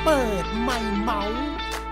เปิดไมค์เมาส์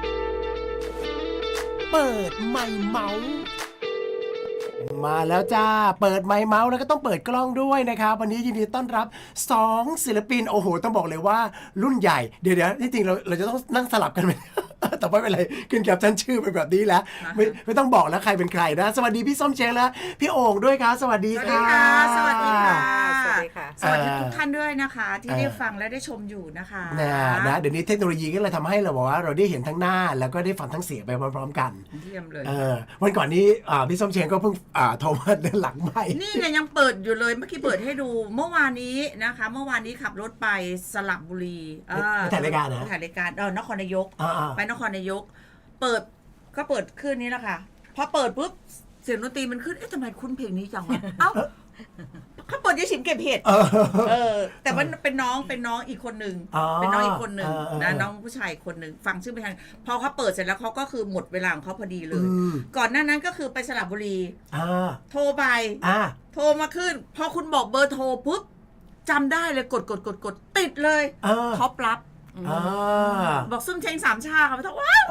เปิดไมค์เมาส์มาแล้วจ้าเปิดไมค์เมาส์แล้วก็ต้องเปิดกล้องด้วยนะครับวันนี้ยินดีต้อนรับ2ศิลปินโอ้โหต้องบอกเลยว่ารุ่นใหญ่เดี๋ยวที่จริงเราจะต้องนั่งสลับกันไหม แต่ไม่เป็นไรขึ้นแคปชั่นชื่อไปแบบนี้แล้วไม่ต้องบอกแล้วใครเป็นใครนะสวัสดีพี่ส้มเช้งและพี่โอ่งด้วยครับสวัสดีค่ะสวัสดีค่ะสวัสดีค่ะสวัสดีทุกท่านด้วยนะคะที่ได้ฟังและได้ชมอยู่นะคะนะเดี๋ยวนี้เทคโนโลยีก็เลยทำให้เราบอกว่าเราได้เห็นทั้งหน้าแล้วก็ได้ฟังทั้งเสียงไปพร้อมๆกันเยี่ยมเลยวันก่อนนี้พี่ส้มเช้งก็เพิ่งโทรมาเดินหลังไม่นี่เนี่ยยังเปิดอยู่เลยเมื่อกี้เปิดให้ดูเมื่อวานนี้นะคะเมื่อวานนี้ขับรถไปสระบุรีไปถ่ายรายการนะถ่ายรายการนครนายกไปนครนายกเปิดก็เปิดขึ้นนี้แหละค่ะพอเปิดปุ๊บเสียงดนตรีมันขึ้นทำไมคุ้นเพลงนี้จังวะเอ้าเขาเปิดยี่สิบเก็บเห็ดแต่ว่าเป็นน้องอีกคนหนึ่งเป็นน้องอีกคนหนึ่งนะน้องผู้ชายคนหนึ่งฟังชื่อไม่ทันพอเขาเปิดเสร็จแล้วเขาก็คือหมดเวลาของเขาพอดีเลยก่อนหน้านั้นก็คือไปสระบุรีโทรไปโทรมาขึ้นพอคุณบอกเบอร์โทรปุ๊บจำได้เลยกดติดเลยท็อปรับบอกซึ่งเชงสามชาค่ะไม่ต้องว้าว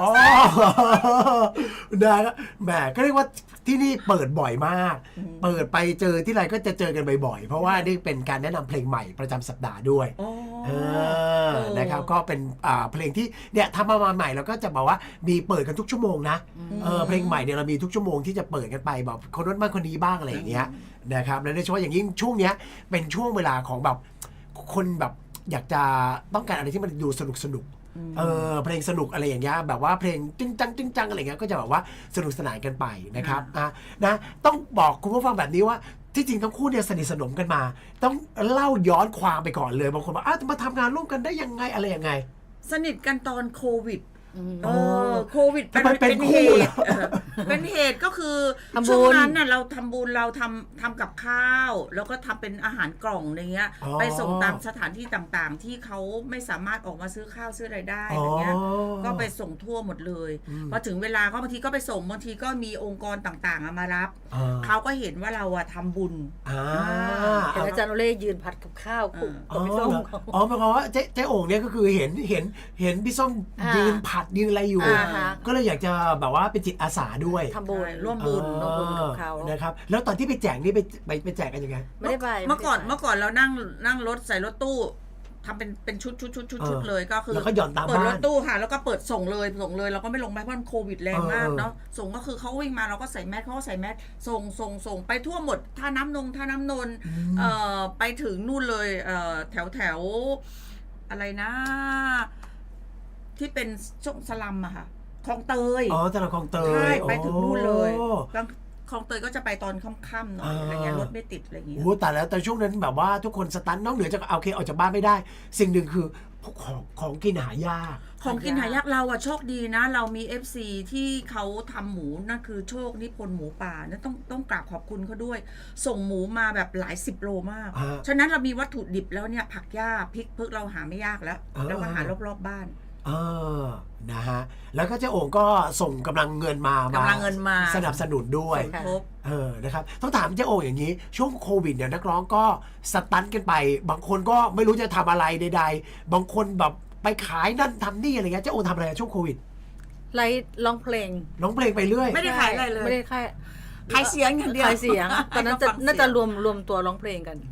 นะแหมก็เรียกว่าที่นี่เปิดบ่อยมากเปิดไปเจอที่ไรก็จะเจอกันบ่อยๆเพราะว่านี่เป็นการแนะนำเพลงใหม่ประจำสัปดาห์ด้วยนะครับก็เป็นเพลงที่เนี่ยทำมาใหม่แล้วก็จะบอกว่ามีเปิดกันทุกชั่วโมงนะเพลงใหม่เนี่ยเรามีทุกชั่วโมงที่จะเปิดกันไปแบบคนนั้นบ้างคนนี้บ้างอะไรอย่างเงี้ยนะครับและโดยเฉพาะอย่างยิ่งช่วงเนี้ยเป็นช่วงเวลาของแบบคนแบบอยากจะต้องการอะไรที่มันดูสนุกเพลงสนุกอะไรอย่างเงี้ยแบบว่าเพลงจึ้งจังอะไรเงี้ยก็จะแบบว่าสนุกสนานกันไปนะครับนะต้องบอกคุณผู้ฟังแบบนี้ว่าที่จริงทั้งคู่เนี่ยสนิทสนมกันมาต้องเล่าย้อนความไปก่อนเลยบางคนบอกมาทำงานร่วมกันได้ยังไงอะไรยังไงสนิทกันตอนโควิดโควิดเป็นเหตุเป็นเหตุก็คือช่วงนั้นน่ะเราทำบุญเราทำกับข้าวแล้วก็ทำเป็นอาหารกล่องอะไรเงี้ยไปส่งตามสถานที่ต่างๆที่เขาไม่สามารถออกมาซื้อข้าวซื้ออะไรได้อะไรเงี้ยก็ไปส่งทั่วหมดเลยพอถึงเวลาก็บางทีก็ไปส่งบางทีก็มีองค์กรต่างๆมารับเขาก็เห็นว่าเราทำบุญแต่อาจารย์โอเล่ยืนผัดกับข้าวคุณพี่ส้มหมายความว่าเจ๊โอ่งเนี่ยก็คือเห็นพี่ส้มยืนผัดยืนอะไรอยู่ก็เลยอยากจะแบบว่าเป็นจิตอาสาด้วยทำบุญร่วมบุญกับเขานะครับแล้วตอนที่ไปแจกนี่ไปแจกกันยังไงไม่ได้ไปเมื่อก่อนเรานั่งรถใส่รถตู้ทำเป็นชุดเลยก็คือแล้วก็หย่อนตามบ้านเปิดรถตู้ค่ะแล้วก็เปิดส่งเลยเราก็ไม่ลงไปเพราะมันโควิดแรงมากเนาะส่งก็คือเขาวิ่งมาเราก็ใส่แมสเขาก็ใส่แมสส่งไปทั่วหมดท่าน้ำนนไปถึงนู่นเลยแถวอะไรนะที่เป็นช่วงสลัมอะค่ะคลองเตยตลาดคลองเตยใช่ไปถึงนู่นเลยคลองเตยก็จะไปตอนค่ำๆหน่อยอะไรเงี้ยรถไม่ติดอะไรเงี้ยโอ้แต่ช่วงนั้นแบบว่าทุกคนสตันนอกเหนือจากโอเคออกจากบ้านไม่ได้สิ่งหนึ่งคือของกินหายากของกินหายากเราโชคดีนะเรามี FC ที่เขาทำหมูนั่นคือโชคนิพนธ์หมูป่านั่นต้องกราบขอบคุณเขาด้วยส่งหมูมาแบบหลาย10 โลมากฉะนั้นเรามีวัตถุดิบแล้วเนี่ยผักหญ้าพริกเพิกเราหาไม่ยากแล้วก็หารอบบ้านนะฮะแล้วก็เจ๊โอ่งก็ส่งกำลังเงินมาสนับสนุนด้วยนะครับต้องถามเจ๊โอ่งอย่างนี้ช่วงโควิดเนี่ยนักร้องก็สตันกันไปบางคนก็ไม่รู้จะทำอะไรใดๆบางคนแบบไปขายนั่นทำนี่อะไรเงี้ยเจ๊โอ่งทำอะไรช่วงโควิดไลฟ์ร้องเพลงไปเรื่อยไม่ได้ขายอะไรเลยไม่ได้ขายเสียงอย่างเดียวขายเสียงตอนนั้นน่าจะรวมตัวร้องเพลงกัน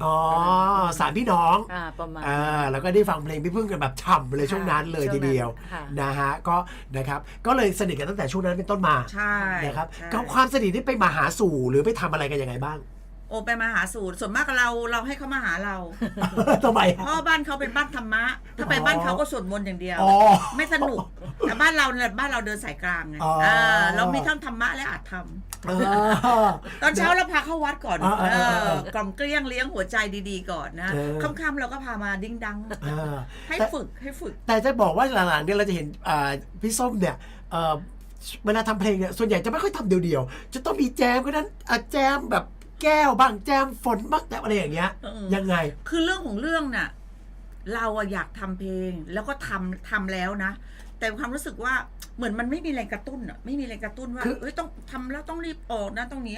3 พี่น้องประมาณแล้วก็ได้ฟังเพลงพี่พึ่งกันแบบฉ่ำเลยช่วงนั้นเลยทีเดียวนะฮะก็นะครับก็เลยสนิทกันตั้งแต่ช่วงนั้นเป็นต้นมาใช่นะครับความสนิทที่ไปมาหาสู่หรือไปทำอะไรกันยังไงบ้างไปมาหาสู่ส่วนมากเราให้เขามาหาเราทำไมเพราะบ้านเขาเป็นบ้านธรรมะถ้าไปบ้านเขาก็สวดมนต์อย่างเดียวไม่สนุกแต่บ้านเราเดินสายกลางไงเรามีทั้งธรรมะและอาจธรรมตอนเช้าเราพาเข้าวัดก่อนกล่อมเกลี้ยงเลี้ยงหัวใจดีๆก่อนนะค่ำๆเราก็พามาดิ้งดังให้ฝึกแต่จะบอกว่าหลังๆเนี่ยเราจะเห็นพี่ส้มเนี่ยเวลาทำเพลงเนี่ยส่วนใหญ่จะไม่ค่อยทำเดียวๆจะต้องมีแจมก็นั้นแจมแบบแก้วบ้างแจมฝนบ้างแต่อะไรอย่างเงี้ยยังไงคือเรื่องของเรื่องน่ะเราอยากทำเพลงแล้วก็ทำแล้วนะแต่ความรู้สึกว่าเหมือนมันไม่มีแรงกระตุ้นอ่ะไม่มีแรงกระตุ้นว่าต้องทำแล้วต้องรีบออกนะตรงนี้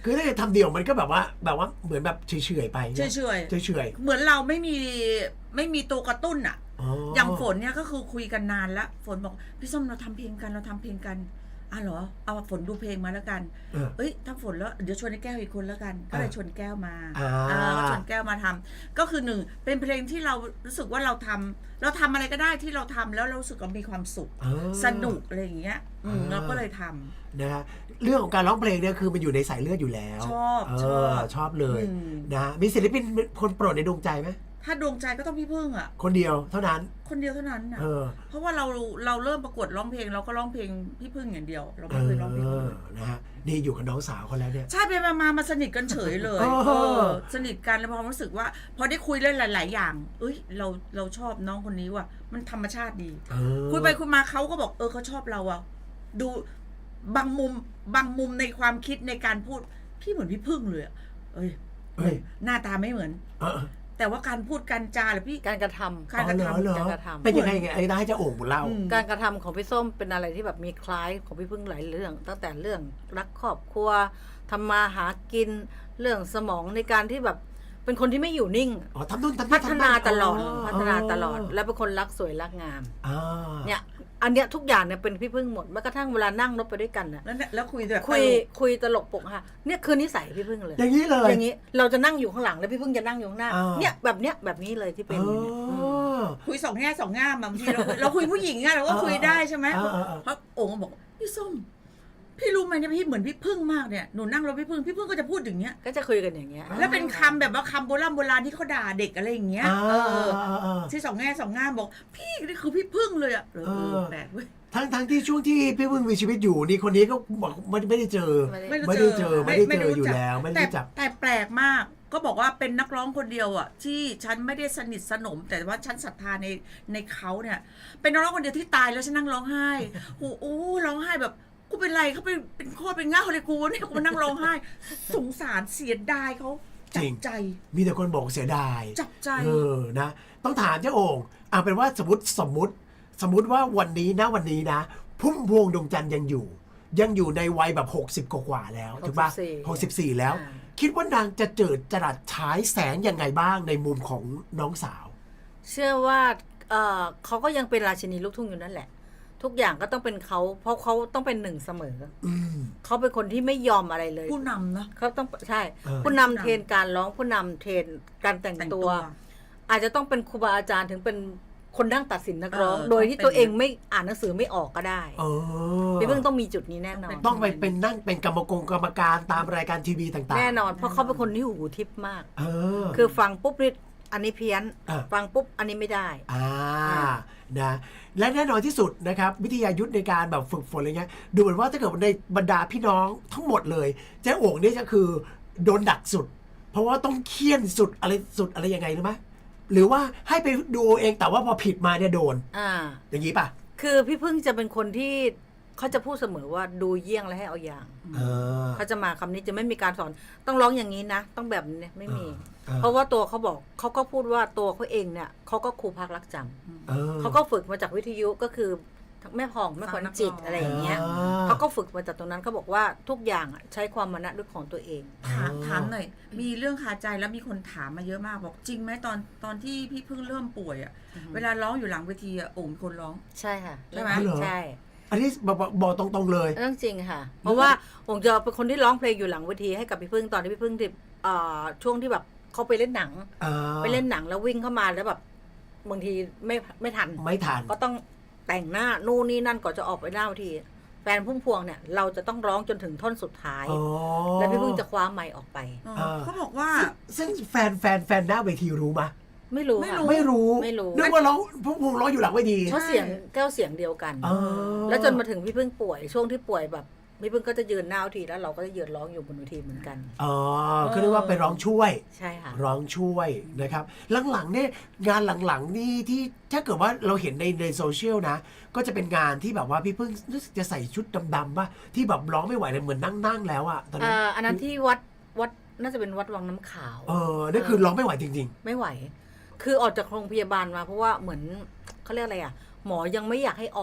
คือถ้าจะทำเดี่ยวมันก็แบบว่าเหมือนแบบเฉยๆไปเฉยๆๆเหมือนเราไม่มีตัวกระตุ้นอ่ะ อย่างฝนเนี่ยก็คือคุยกันนานแล้วฝนบอกพี่ส้มเราทำเพลงกันเหรอเอาฝนดูเพลงมาแล้วกันเอ้ยทำฝนแล้วเดี๋ยวชวนไอ้แก้วอีกคนแล้วกันก็เลยชวนแก้วมาก็ชวนแก้วมาทำก็คือหนึ่งเป็นเพลงที่เรารู้สึกว่าเราทำอะไรก็ได้ที่เราทำแล้วเรารู้สึกว่ามีความสุขสนุกอะไรอย่างเงี้ยเราก็เลยทำนะฮะเรื่องของการร้องเพลงเนี่ยคือมันอยู่ในสายเลือดอยู่แล้ว ชอบเลยนะมีศิลปินคนโปรดในดวงใจไหมถ้าดวงใจก็ต้องพี่พึ่งอ่ะคนเดียวเท่านั้นนะเพราะว่าเราเริ่มประกวดร้องเพลงเราก็ร้องเพลงพี่พึ่งอย่างเดียวเราไม่เคยร้องเพลงนะฮะนี่อยู่กับน้องสาวเขาแล้วเนี่ยใช่ไปมาสนิทกันเฉยเลยสนิทกันแล้วพอรู้สึกว่าพอได้คุยเรื่องหลายๆอย่างเอ้ยเราชอบน้องคนนี้ว่ะมันธรรมชาติดีคุยไปคุยมาเขาก็บอกเขาชอบเราอ่ะดูบางมุมในความคิดในการพูดพี่เหมือนพี่พึ่งเลยเอ้ยหน้าตาไม่เหมือนแต่ว่าการพูดการจาหรือพี่การกระทำเป็นยังไงไอ้ได้จะโอ่งบุญเล่าการกระทำของพี่ส้มเป็นอะไรที่แบบมีคล้ายของพี่พึ่งหลายเรื่องตั้งแต่เรื่องรักครอบครัวทำมาหากินเรื่องสมองในการที่แบบเป็นคนที่ไม่อยู่นิ่งพัฒนาตลอดและเป็นคนรักสวยรักงามเนี่ยอันเนี้ยทุกอย่างเนี่ยเป็นพี่พึ่งหมดแม้กระทั่งเวลานั่งรถไปด้วยกันนะแล้วคุยแบบคุยตลกปกค่ะเนี่ยคือนิสัยพี่พึ่งเลยอย่างนี้เลยอย่างนี้เราจะนั่งอยู่ข้างหลังแล้วพี่พึ่งจะนั่งอยู่ข้างหน้าเนี่ยแบบนี้เลยที่เป็นคุยสองแง่สองง่ามบางทีเราคุยผู้หญิงอะเราก็คุยได้ใช่ไหมเพราะโอ่งบอกพี่ส้มพี่รู้ไหมเนี่ยพี่เหมือนพี่พึ่งมากเนี่ยหนูนั่งรถพี่พึ่งก็จะพูดอย่างเงี้ยก็จะคุยกันอย่างเงี้ยแล้วเป็นคำแบบว่าคำโบราณที่เขาด่าเด็กอะไรอย่างเงี้ยที่สองแง่สองง่ามบอกพี่นี่คือพี่พึ่งเลยอ่ะแปลกเว้ยทั้งที่ช่วงที่พี่พึ่งมีชีวิตอยู่นี่คนนี้ก็บอกไม่ได้เจออยู่แล้วไม่ได้จับแต่แปลกมากก็บอกว่าเป็นนักร้องคนเดียวอ่ะที่ฉันไม่ได้สนิทสนมแต่ว่าฉันศรัทธาในเขาเนี่ยเป็นนักร้องคนเดียวที่ตายแล้วฉันนั่งร้องไห้โอ้โหร้องไห้แบบกูเป็นไรเขาเป็นโคตรเป็นง่าเลยกูเนี่ยกูมานั่งร้องไห้สงสารเสียดายเขาจับใจมีแต่คนบอกเสียดายจับใจนะต้องถามเจ้าโอ่งเป็นว่าสมมติว่าวันนี้นะพุ่มพวงดวงจันทร์ยังอยู่ในวัยแบบ60กว่าแล้วถูกป่ะ64แล้วคิดว่านางจะเจิดจรัสฉายแสงยังไงบ้างในมุมของน้องสาวเชื่อว่าเขาก็ยังเป็นราชินีลูกทุ่งอยู่นั่นแหละทุกอย่างก็ต้องเป็นเขาเพราะเขาต้องเป็นหนึ่งเสมอเขาเป็นคนที่ไม่ยอมอะไรเลยผู้นำนะเขาต้องใช่ผู้นำเทรนการร้องผู้นำเทรนการแต่งตัวอาจจะต้องเป็นครูบาอาจารย์ถึงเป็นคนนั่งตัดสินนักร้องโดยที่ตัวเองไม่อ่านหนังสือไม่ออกก็ได้พี่เพิ่งต้องมีจุดนี้แน่นอนต้องไปเป็นนั่งเป็นกรรมการตามรายการทีวีต่างๆแน่นอนเพราะเขาเป็นคนที่หูทิพย์มากคือฟังปุ๊บนี่อันนี้เพี้ยนฟังปุ๊บอันนี้ไม่ได้นะและแน่นอนที่สุดนะครับวิทยายุทธในการแบบฝึกฝนอะไรเงี้ยดูเหมือนว่าถ้าเกิดในบรรดาพี่น้องทั้งหมดเลยเจ๊โอ่งนี่จะคือโดนดักสุดเพราะว่าต้องเคี่ยนสุดอะไรยังไงรู้ไหมหรือว่าให้ไปดูเองแต่ว่าพอผิดมาเนี่ยโดนอย่างนี้ป่ะคือพี่พึ่งจะเป็นคนที่เขาจะพูดเสมอว่าดูเยี่ยงแล้วให้เอาอย่างเขาจะมาคำนี้จะไม่มีการสอนต้องร้องอย่างนี้นะต้องแบบนี้ไม่มีเพราะว่าตัวเขาบอกเขาก็พูดว่าตัวเขาเองเนี่ยเขาก็ครูพักรักจำเขาก็ฝึกมาจากวิทยุก็คือแม่ผ่องแม่ขวัญจิตอะไรอย่างเงี้ยเขาก็ฝึกมาจากตรงนั้นเขาบอกว่าทุกอย่างใช้ความมานะด้วยของตัวเองถามหน่อยมีเรื่องคาใจแล้วมีคนถามมาเยอะมากบอกจริงไหมตอนที่พี่เพิ่งเริ่มป่วยอ่ะเวลาร้องอยู่หลังเวทีโอ่งคนร้องใช่ค่ะใช่ไหมใช่อันนี้บอกตรงๆเลยเรื่องจริงค่ะเพราะว่าผมจะเป็นคนที่ร้องเพลงอยู่หลังเวทีให้กับพี่พึ่งตอนที่พี่พึ่งที่ช่วงที่แบบเขาไปเล่นหนังแล้ววิ่งเข้ามาแล้วแบบบางทีไม่ทันก็ต้องแต่งหน้านู่นนี่นั่นก่อนจะออกไปหน้าเวทีแฟนพุ่มพวงเนี่ยเราจะต้องร้องจนถึงท่อนสุดท้ายแล้วพี่พึ่งจะคว้าไมค์ออกไปเขาบอกว่าซึ่งแฟนหน้าเวทีรู้ไหมไม่รู้นึกว่าร้องพุ่มพวงร้องอยู่หลังเวทีเพราะเสียงแก้วเสียงเดียวกันแล้วจนมาถึงพี่พึ่งป่วยช่วงที่ป่วยแบบพี่พึ่งก็จะยืนหน้าเวทีแล้วเราก็จะยืนร้องอยู่บนเวทีเหมือนกันก็เรียกว่าไปร้องช่วยใช่ค่ะร้องช่วยนะครับหลังๆเนี่ยงานหลังๆนี่ที่ถ้าเกิดว่าเราเห็นในโซเชียลนะก็จะเป็นงานที่แบบว่าพี่พึ่งรู้สึกจะใส่ชุดดำๆป่ะที่แบบร้องไม่ไหวเลยเหมือนนั่งแล้วอ่ะตอนนั้นอันนั้นที่วัดน่าจะเป็นวัดวังน้ำขาวนั่นคือร้องไม่ไหวจริงๆไม่ไหวคือออกจากโรงพยาบาลมาเพราะว่าเหมือนเขาเรียกอะไรอ่ะหมอยังไม่อยากให้ออกแ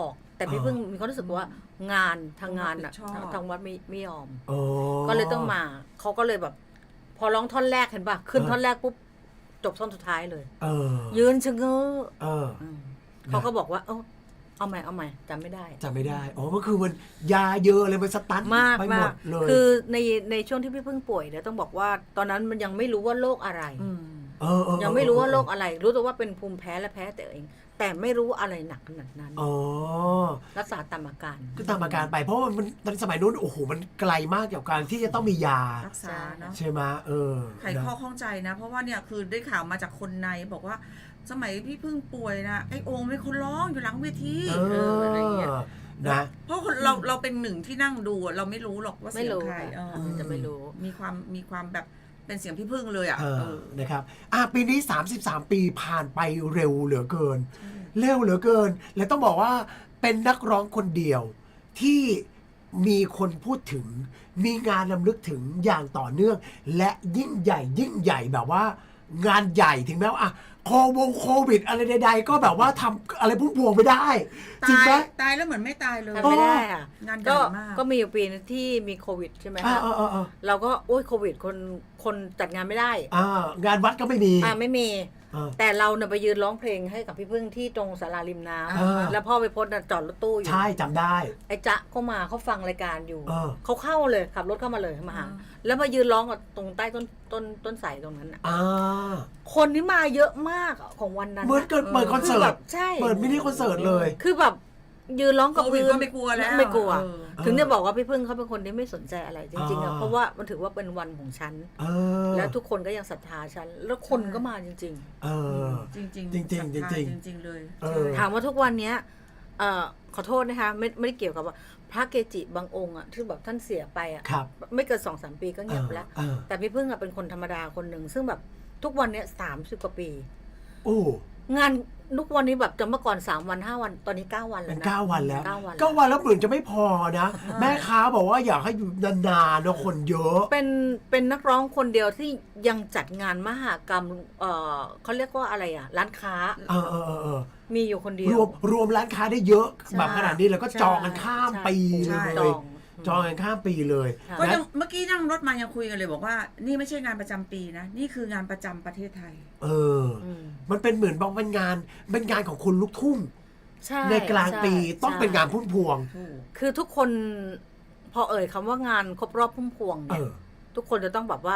แต่พี่พึ่งมีความรู้สึกว่างานทางงานอะทางวัดไม่ยอมอ๋อก็เลยต้องมาเขาก็เลยแบบ พอร้องท่อนแรกเห็นป่ะขึ้นท่อนแรกปุ๊บจบท่อนสุดท้ายเลย ยืนชะเง้อเขาก็บอกว่าเอาใหม่จำไม่ได้อ๋อก็คือมันยาเยอะเลยมันสตันมากไปหมดเลยคือในช่วงที่พี่พึ่งป่วยเนี่ยต้องบอกว่าตอนนั้นมันยังไม่รู้ว่าโรคอะไรยังไม่รู้ว่าโรคอะไร รู้แต่ว่าเป็นภูมิแพ้และแพ้แต่เอง แต่ไม่รู้อะไรหนักขนาดนั้นรักษาตามอาการก็ตามอาการไปเพราะมันตอนสมัยนู้นโอ้โหมันไกลมากกับการที่จะต้องมียารักษาเนาะใช่ไหมไขข้อข้องใจนะ เพราะว่าเนี่ยคือได้ข่าวมาจากคนในบอกว่าสมัยพี่พึ่งป่วยนะไอ้โองเป็นคนร้องอยู่หลังเวทีอะไรอย่างเงี้ยนะเพราะเราเป็นหนึ่งที่นั่งดูเราไม่รู้หรอกว่าเสียงใครจะไม่รู้มีความแบบเป็นเสียงพี่พึ่งเลยนะครับปีนี้33ปีผ่านไปเร็วเหลือเกินและต้องบอกว่าเป็นนักร้องคนเดียวที่มีคนพูดถึงมีงานรำลึกถึงอย่างต่อเนื่องและยิ่งใหญ่แบบว่างานใหญ่ถึงแม้ว่าโควิดอะไรใดๆก็แบบว่าทำอะไรพุ่งพวงไม่ได้จริงไหมตายแล้วเหมือนไม่ตายเลยไม่ได้ค่ะงานใหญ่มากก็มีอยู่ปีนึงที่มีโควิดใช่ไหมคะเราก็โอ้ยโควิดคนจัดงานไม่ได้งานวัดก็ไม่มีไม่มีแต่เราเนี่ยไปยืนร้องเพลงให้กับพี่พึ่งที่ตรงศาลาริมน้ำแล้วพ่อไปพจน์จอดรถตู้อยู่ใช่จำได้ไอ้จ๊ะก็มาเขาฟังรายการอยู่เขาเข้าเลยขับรถเข้ามาเลยมาหาแล้วมายืนร้องตรงใต้ต้นไทรตรงนั้นคนนี้มาเยอะมากของวันนั้นเหมือนเปิดคอนเสิร์ตใช่เปิดมินิคอนเสิร์ตเลยคือแบบยืนร้องกับพื้นก็ไม่กลัวแล้วไม่กลัวถึงจะบอกว่าพี่พึ่งเขาเป็นคนที่ไม่สนใจอะไรจริงๆเพราะว่ามันถือว่าเป็นวันของฉันแล้วทุกคนก็ยังศรัทธาฉันแล้วคนก็มาจริงจริงเลยถามว่าทุกวันนี้ขอโทษนะคะไม่ได้เกี่ยวกับว่าพระเกจิบางองค์ที่แบบท่านเสียไปไม่เกิน 2-3 ปีก็เงียบแล้วแต่พี่พึ่งเป็นคนธรรมดาคนหนึ่งซึ่งแบบทุกวันนี้30 กว่าปีงานทุกวันนี้แบบจะเมื่อก่อน3 วัน 5 วันตอนนี้9 วันแล้วนะ 9 วันแล้ว9 วันแล้วเหมือนจะไม่พอนะแม่ค้าบอกว่าอยากให้อยู่นานๆนะคนเยอะเป็นนักร้องคนเดียวที่ยังจัดงานมหกรรมเขาเรียกว่าอะไรร้านค้ามีอยู่คนเดียวรวมร้านค้าได้เยอะแบบขนาดนี้แล้วก็จองกันข้ามปีเลยจองกันข้ามปีเลยก็ยังเมื่อกี้นั่งรถมายังคุยกันเลยบอกว่านี่ไม่ใช่งานประจำปีนะนี่คืองานประจำประเทศไทยมันเป็นเหมือนบอกเป็นงานของคนลูกทุ่งในกลางปีต้องเป็นงานพุ่มพวงคือทุกคนพอคำว่างานครบรอบพุ่มพวงเนี่ยทุกคนจะต้องแบบว่า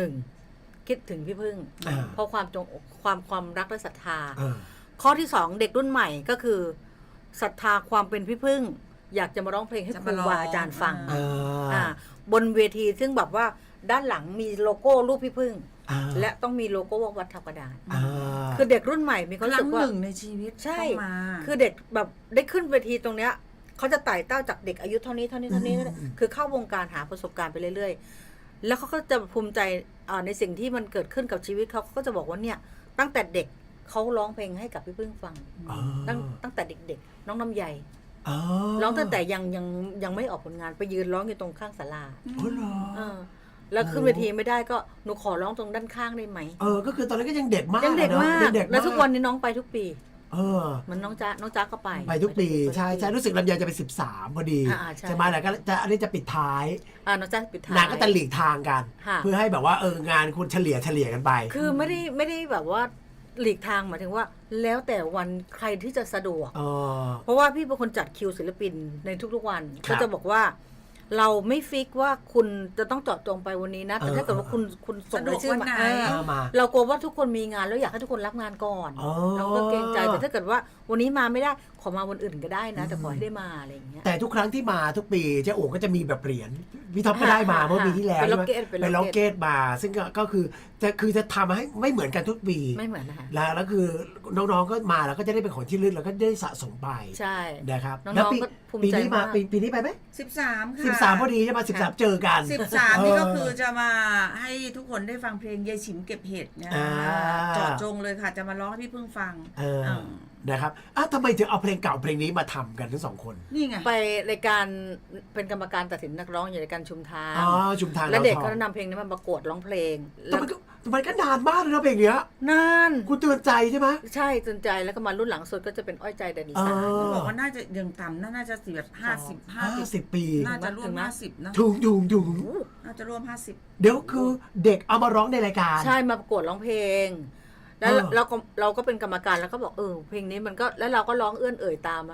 1คิดถึงพี่พึ่งเพราะความรักและศรัทธาข้อที่2เด็กรุ่นใหม่ก็คือศรัทธาความเป็นพี่พึ่งอยากจะมาร้องเพลงให้ครูบาอาจารย์ฟังบนเวทีซึ่งแบบว่าด้านหลังมีโลโก้รูปพี่พึ่งและต้องมีโลโก้วัดทับกระดานคือเด็กรุ่นใหม่มีความรู้สึกว่าหนึ่งในชีวิตใช่คือเด็กแบบได้ขึ้นเวทีตรงเนี้ยเขาจะไต่เต้าจากเด็กอายุเท่านี้คือเข้าวงการหาประสบการณ์ไปเรื่อยๆแล้วเขาก็จะภูมิใจในสิ่งที่มันเกิดขึ้นกับชีวิตเขาก็จะบอกว่าเนี่ยตั้งแต่เด็กเขาร้องเพลงให้กับพี่พึ่งฟังตั้งแต่เด็กๆน้องน้ำใยร้องตั้งแต่ยังไม่ออกผลงานไปยืนร้องอยู่ตรงข้างศาลาแล้วขึ้นเวทีไม่ได้ก็หนูขอร้องตรงด้านข้างได้ไหมก็คือตอนนั้นก็ยังเด็กมากแล้วทุกวันนี้น้องไปทุกปีมันน้องจ๊ะก็ไปทุกปีใช่รู้สึกลำไยจะไป13พอดีใช่ไหมแล้วก็จะอันนี้จะปิดท้ายน้องจ๊ะปิดท้ายนางก็จะหลีกทางกันเพื่อให้แบบว่างานคุณเฉลี่ยกันไปคือไม่ได้แบบว่าหลีกทางหมายถึงว่าแล้วแต่วันใครที่จะสะดวกเพราะว่าพี่เป็นคนจัดคิวศิลปินในทุกๆวันก็จะบอกว่าเราไม่ฟิกว่าคุณจะต้องเจาะจงไปวันนี้นะแต่ถ้าเกิดว่าคุณส่งรายชื่อมาเรากลัวว่าทุกคนมีงานแล้วอยากให้ทุกคนรับงานก่อนเราก็เกรงใจแต่ถ้าเกิดว่าวันนี้มาไม่ได้ขอมาวันอื่นก็ได้นะแต่ขอให้ได้มาอะไรอย่างเงี้ยแต่ทุกครั้งที่มาทุกปีเจ้าโอ๋ก็จะมีแบบเหรียญพี่ท็อปก็ได้มาเมื่อปีที่แล้วเป็นล็อกเก็ตมาซึ่งก็คือจะทำให้ไม่เหมือนกันทุกปีไม่เหมือนนะคะแล้วคือน้องๆก็มาแล้วก็จะได้เป็นของที่ลึกแล้วก็ได้สะสมไปใช่นะครับแล้วปีนี้มาปีนี้ไปไหม 13ค่ะ 13พอดีจะมา13เจอกัน 13นี่ก็คือจะมาให้ทุกคนได้ฟังเพลงยายฉิมเก็บเห็ดนะเจาะจงเลยค่ะจะมาร้องให้พี่พึ่งฟังนะครับทำไมถึงเอาเพลงเก่าเพลงนี้มาทำกันทั้ง2 คนนี่ไงไปรายการเป็นกรรมการตัดสินนักร้องอยู่ในการชุมทางชุมทางแล้วเด็กก็นำเพลงนี้มาประกวดร้องเพลงมันก็นานมากเลยนะเพลงเนี้ยนานคุณเตือนใจใช่ไหมใช่สนใจแล้วก็มารุ่นหลังสุดก็จะเป็นอ้อยใจแดนอีสานเขาบอกว่าน่าจะยังต่ำน่าจะสิแบบ50 ปีน่าจะร่วมถึงไหม 50นะถุงน่าจะร่วม50 เดี๋ยวคือเด็กเอามาร้องในรายการใช่มาประกวดร้องเพลง แล้วเออเราก็เป็นกรรมการแล้วก็บอกเพลงนี้มันก็แล้วเราก็ร้องเอื้อนเอ่ยตามมา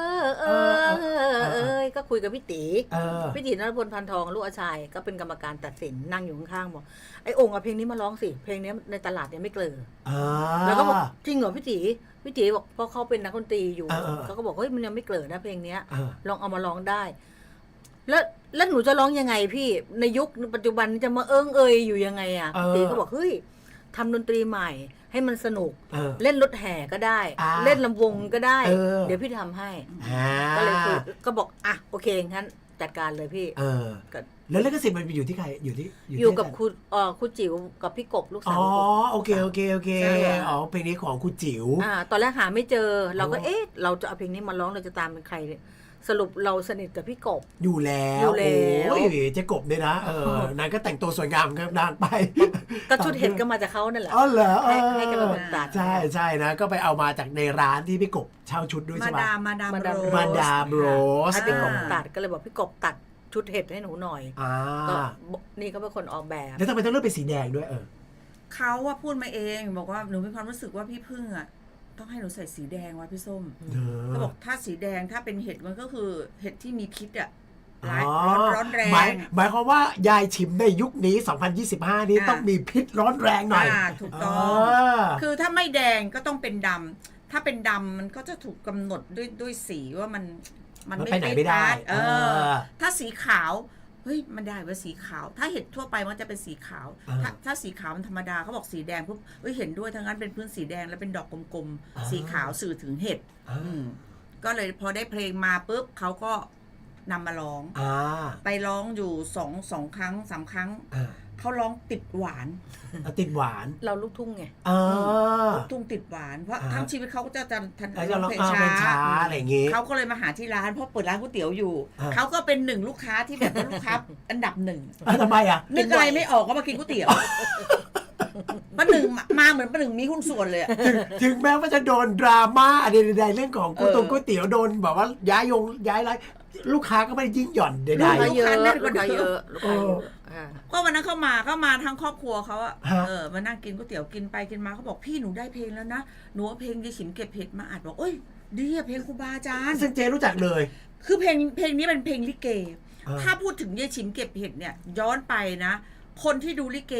ก็คุยกับพี่ตี พี่ตีนรพลพันทองลูกอาชัยก็เป็นกรรมการตัดสินนั่งอยู่ข้างๆบอกไอ้องค์เอาเพลงนี้มาร้องสิเพลงนี้ในตลาดเนี่ยไม่เกลือแล้วก็บอกจริงเหรอพี่ตีบอกเพราะเขาเป็นนักดนตรีอยู่เขาก็บอกเฮ้ยมันยังไม่เกลือนะเพลงเนี้ยลองเอามาร้องได้ แล้วหนูจะร้องยังไงพี่ในยุคปัจจุบันจะมาเอยอยู่ยังไงอ่ะพี่ตีก็บอกเฮ้ยทำดนตรีใหม่ให้มันสนุกเล่นรถแห่ก็ได้ เล่นลำวงก็ได้ เดี๋ยวพี่ทำให้ก็เลยคือก็บอกอ่ะโอเคงั้นจัดการเลยพี่แล้วลิขสิทธิ์มันอยู่ที่ใครอยู่กับคุณจิ๋วกับพี่กบลูกสาวโอเคเพลงนี้ของคุณจิ๋วตอนแรกหาไม่เจอเราก็เราจะเอาเพลงนี้มาร้องเราจะตามเป็นใครสรุปเราสนิทกับพี่กบอยู่แล้วโอ้ยเจ๊กบเนี่ยนะนางก็แต่งตัวสวยงามกันนางไปก็ชุดเห็นก็มาจากเขานั่นแหละเหรอให้กันมาตัดใช่นะก็ไปเอามาจากในร้านที่พี่กบเช่าชุดด้วยใช่ไหมมาดามโรสให้พี่กบตัดก็เลยบอกพี่กบตัดชุดเห็ดให้หนูหน่อยก็นี่ก็เป็นคนออกแบบแล้วทำไมต้องเลือกเป็นสีแดงด้วยเขาว่าพูดมาเองบอกว่าหนูมีความรู้สึกว่าพี่พึ่งอ่ะต้องให้หนูใส่สีแดงวะพี่ส้มเขาบอกถ้าสีแดงถ้าเป็นเห็ดมันก็คือเห็ดที่มีพิษอ่ะร้อนแรงหมายความว่ายายฉิมในยุคนี้2025นี้ต้องมีพิษร้อนแรงหน่อยถูกต้องคือถ้าไม่แดงก็ต้องเป็นดำถ้าเป็นดำมันก็จะถูกกำหนดด้วยสีว่ามันไปไหนไม่ได้ถ้าสีขาวเฮ้ยมันได้ว่าสีขาวถ้าเห็ดทั่วไปมันจะเป็นสีขาวถ้าสีขาวมันธรรมดาเขาบอกสีแดงปุ๊บเห็นด้วยทั้งนั้นเป็นพื้นสีแดงแล้วเป็นดอกกลมๆสีขาวสื่อถึงเห็ดก็เลยพอได้เพลงมาปุ๊บเขาก็นำมาร้องไปร้องอยู่2 ครั้ง 3 ครั้งเขาร้องติดหวานเราลูกทุ่งไงลูกทุ่งติดหวานเพราะทั้งชีวิตเขาก็จะร้องเพลงช้าอะไรอย่างงี้เขาก็เลยมาหาที่ร้านเพราะเปิดร้านก๋วยเตี๋ยวอยู่เขาก็เป็น1ลูกค้าที่แบบลูกค้าอันดับ1 ทำไมอ่ะนึกอะไรไม่ออกก็มากินก๋วยเตี๋ยวป้าหนึ่งมาเหมือนป้าหนึ่งมีหุ้นส่วนเลยถึงแม้ว่าจะโดนดราม่าอะไรใดๆเรื่องของก๋วยเตี๋ยวโดนแบบว่าย้ายไรลูกค้าก็ไม่ยิ่งหย่อนใดๆลูกค้าเยอะก็วันนั้นเข้ามาทั้งครอบครัวเขาอะมานั่งกินก๋วยเตี๋ยวกินไปกินมาเขาบอกพี่หนูได้เพลงแล้วนะหนูเอาเพลงยายฉิมเก็บเห็ดมาอัดบอกดีอะเพลงครูบาอาจารย์ซึ่งเจรู้จักเลยคือเพลงนี้เป็นเพลงลิเกถ้าพูดถึงยายฉิมเก็บเห็ดเนี่ยย้อนไปนะคนที่ดูลิเก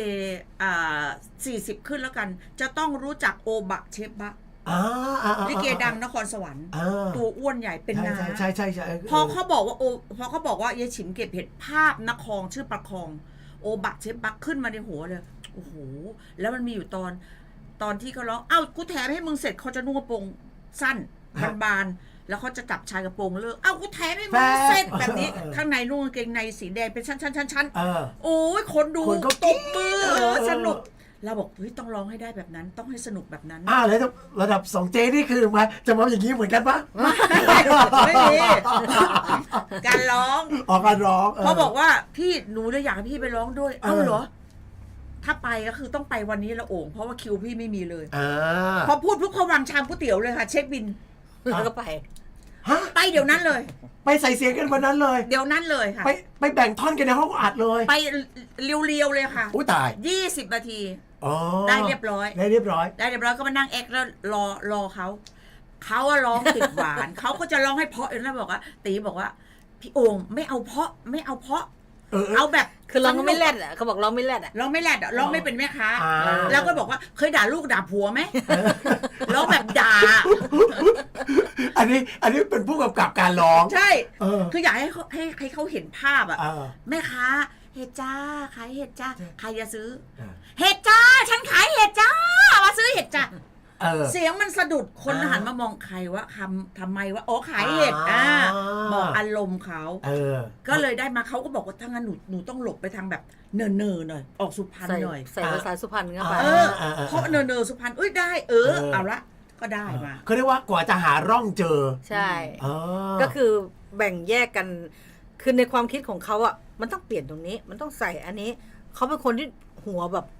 40ขึ้นแล้วกันจะต้องรู้จักโอบะเชฟบะลิเกดังนครสวรรค์ตัวอ้วนใหญ่เป็นนาใช่พอเขาบอกว่ายายฉิมเก็บเห็ดภาพนครชื่อประคองโอบะเชฟบะขึ้นมาในหัวเลยโอ้โหแล้วมันมีอยู่ตอนที่เขาร้องกูแถมให้มึงเสร็จเขาจะนุ่งกระโปรงสั้นบานๆแล้วเขาจะจับชายกระโปรงเลิกกูแถมให้มึงเสร็จแบบนี้ข้างในนุ่งกางเกงในสีแดงเป็นชั้นโอ้ยคนดูตบมือสนุกเราบอกต้องร้องให้ได้แบบนั้นต้องให้สนุกแบบนั้นแล้วระดับ2เจนี่คือมาจะมาอย่างนี้เหมือนกันปะไม่มีการร้องการร้องเขาบอกว่าพี่หนูเลยอยากให้พี่ไปร้องด้วยเหรอถ้าไปก็คือต้องไปวันนี้ละโอ่งเพราะว่าคิวพี่ไม่มีเลยพอพูดปุ๊บเขาวางชามก๋วยเตี๋ยวเลยค่ะเช็คบินแล้วก็ไปเดี๋ยวนั้นเลยไปใส่เสียงกันวันนั้นเลยเดี๋ยวนั้นเลยค่ะไปแบ่งท่อนกันในห้องอัดเลยไปเรียวๆเลยค่ะตาย 20 นาทีได้เรียบร้อยก็มานั่งแอคแล้วรอเขาว่าร้องติดหวานเขาก็จะร้องให้เพาะแล้วบอกว่าตีบอกว่าพี่โอ่งไม่เอาเพาะเอาแบบคือร้องไม่แรดอ่ะเขาบอกร้องไม่แรดอ่ะร้องไม่เป็นแม่ค้าแล้วก็บอกว่าเคยด่าลูกด่าผัวไหมร้องแบบด่าอันนี้เป็นผู้กำกับการร้องใช่คืออยากให้เขาเห็นภาพอ่ะแม่ค้าเห็ดจ้าขายเห็ดจ้าใครจะซื้อเห็ดจ้าฉันขายเห็ดจ้ามาซื้อเห็ดจ้าเสียงมันสะดุดคนหันมามองใครว่าทำไมว่าขายเห็ดบอกอารมณ์เขาก็เลยได้มาเขาก็บอกว่าถ้างั้นหนูต้องหลบไปทางแบบเนอหน่อยออกสุพรรณหน่อยใส่ภาษาสุพรรณเข้าไปเพราะเนอสุพรรณได้เอาละก็ได้มาเขาเรียกว่ากว่าจะหาร่องเจอใช่ก็คือแบ่งแยกกันคือในความคิดของเขาอ่ะมันต้องเปลี่ยนตรงนี้มันต้องใส่อันนี้เขาเป็นคนที่หัวแบบค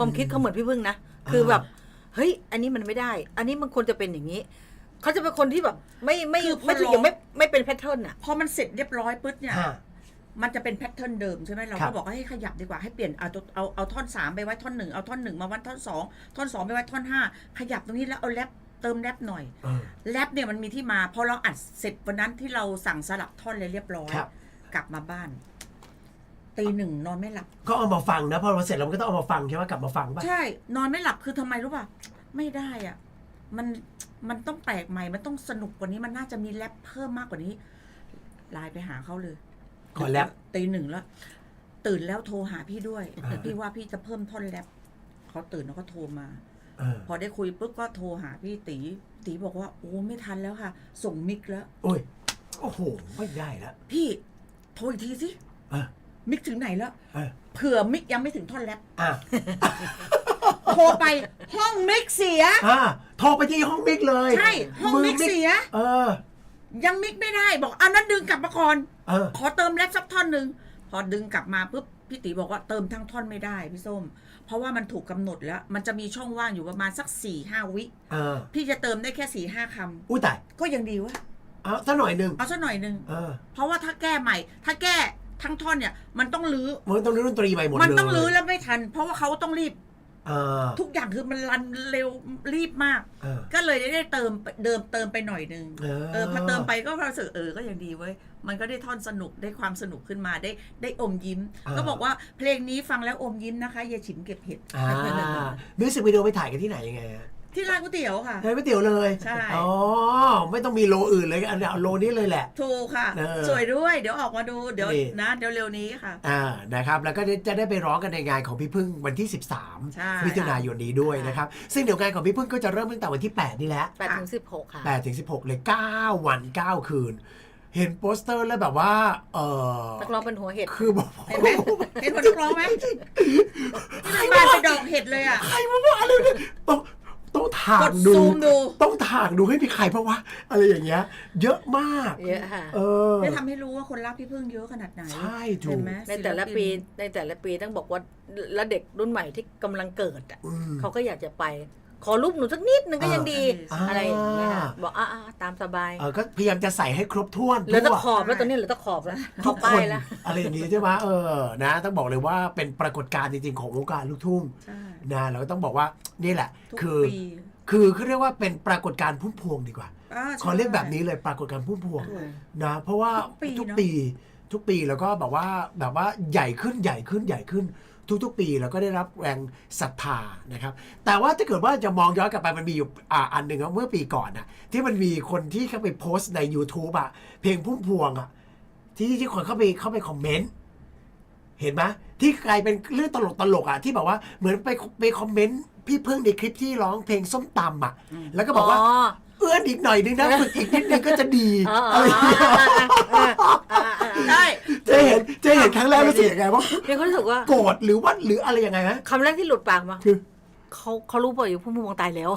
ความคิดเขาเหมือนพี่พึ่งนะคือแบบเฮ้ยอันนี้มันไม่ได้ อันนี้มันควรจะเป็นอย่างนี้เขาจะเป็นคนที่แบบไม่ถึงยังไม่เป็นแพทเทิร์นอ่ะพอมันเสร็จเรียบร้อยปุ๊บเนี่ยฮะมันจะเป็นแพทเทิร์นเดิมใช่ไหมเราครัก็บบอกว่าให้ขยับดีกว่าให้เปลี่ยนเอาท่อน3ไปไว้ท่อน1เอาท่อน1มาไว้ท่อน2ท่อน2ไปไว้ท่อน5ขยับตรงนี้แล้วเอาแรปเติมแรปหน่อยเออแรปเนี่ยมันมีที่มาพอเราอัดเสร็จวันนั้นที่เราสั่งสลับท่อนเลยเรียบร้อยครับกลับมาบ้านตี 1นอนไม่หลับก็เอามาฟังนะพอเราเสร็จแล้วมันก็ต้องเอามาฟังใช่ไหมกลับมาฟังป่ะใช่ นอนไม่หลับคือทำไมรู้ป่ะไม่ได้อ่ะมันต้องแปลกใหม่มันต้องสนุกกว่านี้มันน่าจะมีแรปเพิ่มมากกว่านี้ไลน์ไปหาเขาเลยขอแรปตี 1แล้วตื่นแล้วโทรหาพี่ด้วยพี่ว่าพี่จะเพิ่มท่อนแรปเขาตื่นแล้วก็โทรมาเออพอได้คุยปุ๊บก็โทรหาพี่ตีบอกว่าโอ้ไม่ทันแล้วค่ะ ส่งมิกแล้วโอ้ยโอ้โหไม่ได้แล้วพี่โทรอีกทีสิเออมิกถึงไหนแล้วเออเผื่อมิกยังไม่ถึงท่อนแรปอ่ะโทรไปห้องมิกเสียโทรไปที่ห้องมิกเลยใช่ห้องมิกเสียเออยังมิกไม่ได้บอกอันนั้นดึงกลับมาก่อนเออขอเติมแรปสักท่อนหนึ่งพอดึงกลับมาปุ๊บพี่ตีบอกว่าเติมทั้งท่อนไม่ได้พี่ส้มเพราะว่ามันถูกกำหนดแล้ว มันจะมีช่องว่างอยู่ประมาณสัก4-5 วิเออพี่จะเติมได้แค่4-5 คำอุ้ยตายก็ยังดีวะเอาสักหน่อยหนึ่งเอาสักหน่อยหนึ่งเออเพราะว่าถ้าแก้ใหม่ ถ้าแก้ทั้งท่อนเนี่ยมันต้องรื้อมันต้องเล่นดนตรีใหม่หมดเลยมันต้องรื้อแล้วไม่ทัน เพราะว่าเขาต้องรีบเออทุกอย่างคือมันรันเร็วรีบมากเออก็เลยได้เติมไปหน่อยนึง พอเติมไปก็รู้สึกก็ยังดีเว้ยมันก็ได้ท่อนสนุกได้ความสนุกขึ้นมาได้อมยิ้ม ก็บอกว่าเพลงนี้ฟังแล้วอมยิ้มนะคะยายฉิมเก็บเห็ดมิวสิกวิดีโอไปถ่ายกันที่ไหนยังไงฮะที่ร้านก๋วยเตี๋ยวค่ะในก๋วยเตี๋ยวเลยใช่อ๋อไม่ต้องมีโลอื่นเลยอันเดียวโลนี้เลยแหละถูกค่ะ สวยด้วยเดี๋ยวออกมาดูเดี๋ยวนี่นะเดี๋ยวเร็วนี้ค่ะนะครับแล้วก็จะได้ไปร้องกันในงานของพี่พึ่งวันที่ใช่ 13 มิถุนายนนี้ด้วยนะครับซึ่งเดี๋ยวงานของพี่พึ่งก็จะเริ่มตั้งแต่วันที่ 8 นี่แหละ 8-16 ค่ะ 8 ถึง 16 เลย 9 วัน 9 คืน เห็นโปสเตอร์แล้วแบบว่านักร้องเป็นหัวเห็ดคือบอกเห็นไหมเห็นคนนักร้องไหมที่บ้านไปดอกเห็ดเลยอ่ะใครมาว่าอะไรเนี่ยต้องถากดดูซูมดูต้องถากดูให้มีใครเพราะว่าอะไรอย่างเงี้ยเยอะมากเยอะค่ะได้ทำให้รู้ว่าคนรักพี่พึ่งเยอะขนาดไหนใช่ถูเห็กนไหมในแต่ละปีต้องบอกว่าแล้วเด็กรุ่นใหม่ที่กำลังเกิดอ่ะอืมเขาก็อยากจะไป ขอรูปหนูสักนิดนึงก็ยังดีอ่าอะไรอย่างเงี้ยค่ะบอกตามสบายก็พยายามจะใส่ให้ครบถ้วนเหลือแตะทั่วขอบแล้วตอนนี้เหลือแตะขอบแล้วขทุอบกป้าคยนแล้วอะไรอย่างนี้ใช่ไหมนะต้องบอกเลยว่าเป็นปรากฏการณ์จริงๆของวงการลูกทุ่งใช่นะเราก็ต้องบอกว่านี่แหละทุกคือปีคือเขาเรียกว่าเป็นปรากฏการณ์พุ่มพวงดีกว่าใช่ขอเรียกแบบนี้เลยปรากฏการณ์พุ่มพวงถูกนะเพราะว่าทุกปีทุกปีแล้วก็แบบว่าใหญ่ขึ้นทุกๆปีแล้วก็ได้รับแรงศรัทธานะครับแต่ว่าถ้าเกิดว่าจะมองย้อนกลับไปมันมีอยู่อันหนึ่งเมื่อปีก่อนนะที่มันมีคนที่เข้าไปโพสต์ใน YouTube เพลงพุ่มพวงที่คนเข้าไปคอมเมนต์เห็นไหมที่กลายเป็นเรื่องตลกที่แบบว่าเหมือนไปคอมเมนต์พี่พึ่งในคลิปที่ร้องเพลงส้มตำแล้วก็บอกว่าเอื้อนอีกหน่อยนึงนะฝึกอีกนิดนึงก็จะดีอะไรอย่างเงี้ยใช่จะเห็นครั้งแรกรู้สึกยังไงว่ามีความรู้สึกว่าโกรธหรืออะไรยังไงฮะคำแรกที่หลุดปากมาคือเขารู้ป่ะอยู่พุ่มพวงตายแล้ว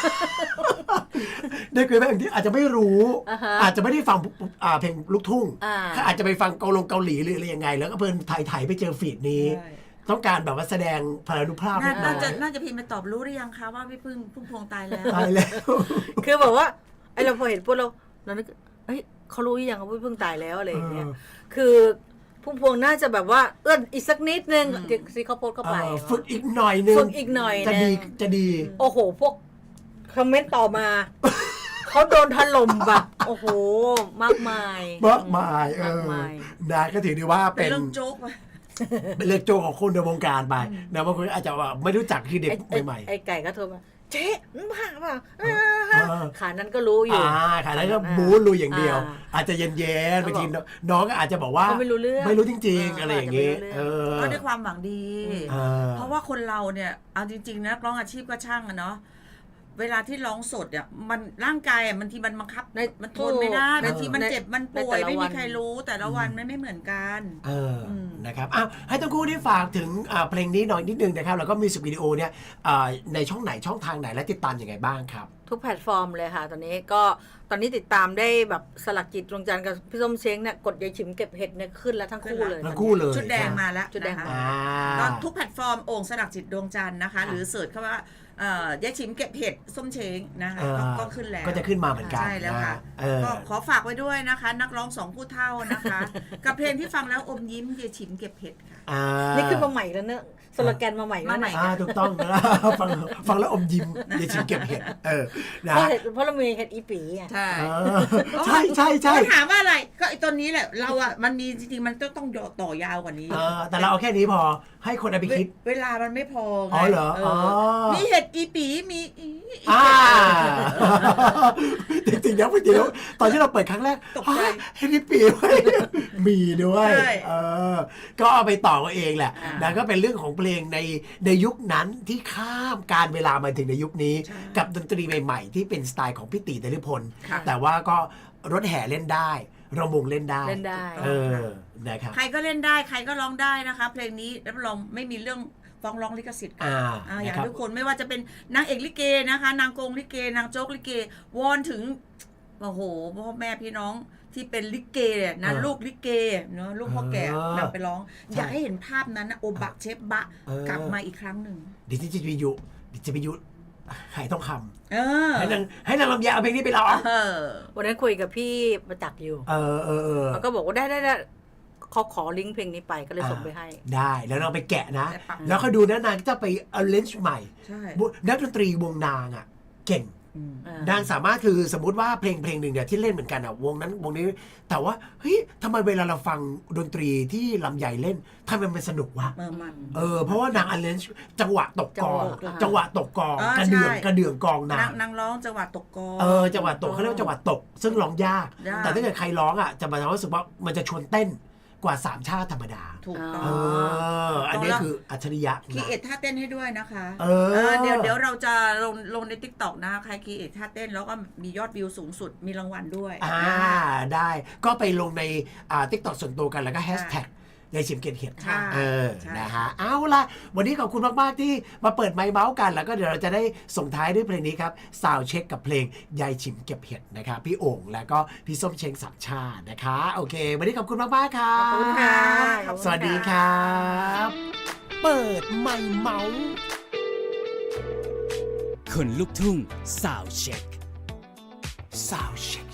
ได้คุยแบบที่อาจจะไม่รู้ อาจจะไม่ได้ฟังเพลงลูกทุ่งอ่าอาจจะไปฟังเกาหลีหรืออะไรยังไง แล้วก็เพิ่นถ่ายไปเจอฟีดนี้ใช่ต้องการแบบว่าแสดงพลานุภาพนิดหน่น่าอยน่าจะพิมพ์มาตอบรู้หรือยังคะว่าพี่พึ่งพุ่มพวงตายแล้วตายแล้วคือแบบว่าไอเราพอเห็นพวกเรานึกเฮ้ยเขารู้หรือยังว่าเพิ่งตายแล้วอะไรอย่างเงี้ยคือพุ่มพวงน่าจะแบบว่าเอื้อนอีกสักนิดนึงซีเขาโพสเข้าไปฝึกอีกหน่อยนึงฝึกอีกหน่อยจะดีโอ้โหพวกคอมเมนต์ต่อมาเขาโดนถล่มแบบโอ้โหมากมายมากมายมายนะก็ถือได้ว่าเป็เป็น นเรื่องโจ๊กไปเป็นเรื่องโจของคนในวงการไปนะบางคนอาจจะว่าไม่รู้จักคือเด็กใหม่ๆไอ้ไก่ก็โทรมาเจ๊มึงผ่าเปล่าขานั้นก็รู้อยู่ขายนั้นก็บู๊ลุยอย่างเดียว อาจจะเย็นๆบางทีน้องก็อาจจะบอกว่าเขาไม่รู้เรื่องไม่รู้จริงๆอะไรอย่างงี้ก็ด้วยความหวังดีเออเพราะว่าคนเราเนี่ยเอาจริงๆนะนักร้องอาชีพก็ช่างอะเนาะเวลาที่ร้องสดเนี่ยมันร่างกายบางทีมันบังคับในมันทนไม่ได้ในบางทีมันเจ็บมันป่วยในแต่ละไม่มีวันใครรู้แต่ละวันไม่เหมือนกันนะครับอ้าวให้ทั้งคู่ได้ฝากถึงเพลงนี้หน่อยนิดนึงนะครับแล้วก็มิวสิกวิดีโอเนี่ยในช่องไหนช่องทางไหนและติดตามยังไงบ้างครับทุกแพลตฟอร์มเลยค่ะ ตอนนี้ติดตามได้แบบสลักจิตดวงจันทร์กับพี่ส้มเช้งเนี่ยกดยายฉิมเก็บเห็ดเนี่ยขึ้นแล้วทั้งคู่เลยทั้งคู่เลยชุดแดงมาแล้วชุดแดงนะคะมาก็ทุกแพลตฟอร์มโอ่งสลักจิตดวงจันทร์นะคะ หรือเสิร์ชเข้าว่ายายชิมเก็บเห็ดส้มเช้งนะคะก็ขึ้นแล้วก็จะขึ้นมาเหมือนกันใช่แล้วค่ะ ก็ขอฝากไว้ด้วยนะคะ นักร้องสองผู้เท่านะคะ กับเพลงที่ฟังแล้วอมยิ้มยายชิมเก็บเห็ดค่ะนี่ขึ้นมาใหม่แล้วเนอะสโลแกนมาใหม่แล้วมาใหม่เนี่ยถูกต้องนะ ฟังแล้วอมยิ้มยายชิมเก็บเห็ดนะเพราะเรามีเห็ดอีปีอ่ะใช่ใช่ก็ถามว่าอะไรก็ไอ้ตัวนี้แหละเราอ่ะมันมีจริงๆมันต้องต่อยาวกว่านี้แต่เราเอาแค่นี้พอให้คนเอาไปคิดเวลามันไม่พอไงอ๋อเหรอมีเห็ดอีปีมีจริงๆนะพี่เดียวตอนที่เราเปิดครั้งแรกตกใจเฮ้ยนี่ปีไว้มีด้วยก็เอาไปต่อกันเองแหละนะก็เป็นเรื่องของเพลงในยุคนั้นที่ข้ามการเวลามาถึงในยุคนี้ กับดนตรีใหม่ๆที่เป็นสไตล์ของพี่ตีนฤพลแต่ว่าก็รถแห่เล่นได้ระมงเล่นได้นะครับใครก็เล่นได้ใครก็ร้องได้นะคะเพลงนี้รับรองไม่มีเรื่องฟ้องร้องลิขสิทธิ์อย่างทุกคนไม่ว่าจะเป็นนางเอกลิเกนะคะนางโกงลิเกนางโจ๊กลิเกวอนถึงโอ้โหพ่อแม่พี่น้องที่เป็นลิเกนะลูกลิเกเนาะลูกพ่อแก่นำไปร้องอยากให้เห็นภาพนั้นนะโอบะเชฟบะกลับมาอีกครั้งหนึ่งดิจิวิยุหายต้องคำให้นางลำไยเอาเพลงนี้ไปร้องวันนั้นคุยกับพี่ประจักษ์อยู่เขาก็บอกว่าได้เขาขอลิงก์เพลงนี้ไปก็เลยส่งไปให้ได้แล้วนางไปแกะนะแล้วเขาดูนะนางจะไปเอาเลนส์ใหม่นักดนตรีวงนางอ่ะเก่งนางสามารถคือสมมุติว่าเพลงหนึ่งเนี่ยที่เล่นเหมือนกันอ่ะวงนั้นวงนี้แต่ว่าเฮ้ยทำไมเวลาเราฟังดนตรีที่ลำใหญ่เล่นทำไมมันสนุกวะเพราะว่านางอันเลนส์จังหวะตกกองกระเดื่องกองนางร้องจังหวะตกกองจังหวะตกเขาเรียกว่าจังหวะตกซึ่งร้องยากแต่ถ้าเกิดใครร้องอ่ะจะมาทำให้รู้สึกว่ามันจะชวนเต้นกว่า3ชาติธรรมดาถูกต้องอันนี้คืออัจฉริยะคีเอทท่าเต้นให้ด้วยนะคะเดี๋ยวเราจะลงใน TikTok นะใครคีเอทท่าเต้นแล้วก็มียอดวิวสูงสุดมีรางวัลด้วยได้ก็ไปลงในTikTok ส่วนตัวกันแล้วก็แฮชแท็กยายชิมเก็บเห็ดนะฮะเอาล่ะวันนี้ขอบคุณมากๆที่มาเปิดไมค์เมาส์กันแล้วก็เดี๋ยวเราจะได้ส่งท้ายด้วยเพลงนี้ครับซาวด์เช็คกับเพลงยายชิมเก็บเห็ดนะครับพี่โอ่งแล้วก็พี่ส้มเช้งสามชานะคะโอเควันนี้ขอบคุณมากๆครับขอบคุณค่ะสวัสดีครับเปิดไมค์เมาส์คนลุกทุ่งซาวด์เช็คซาวด์เช็ค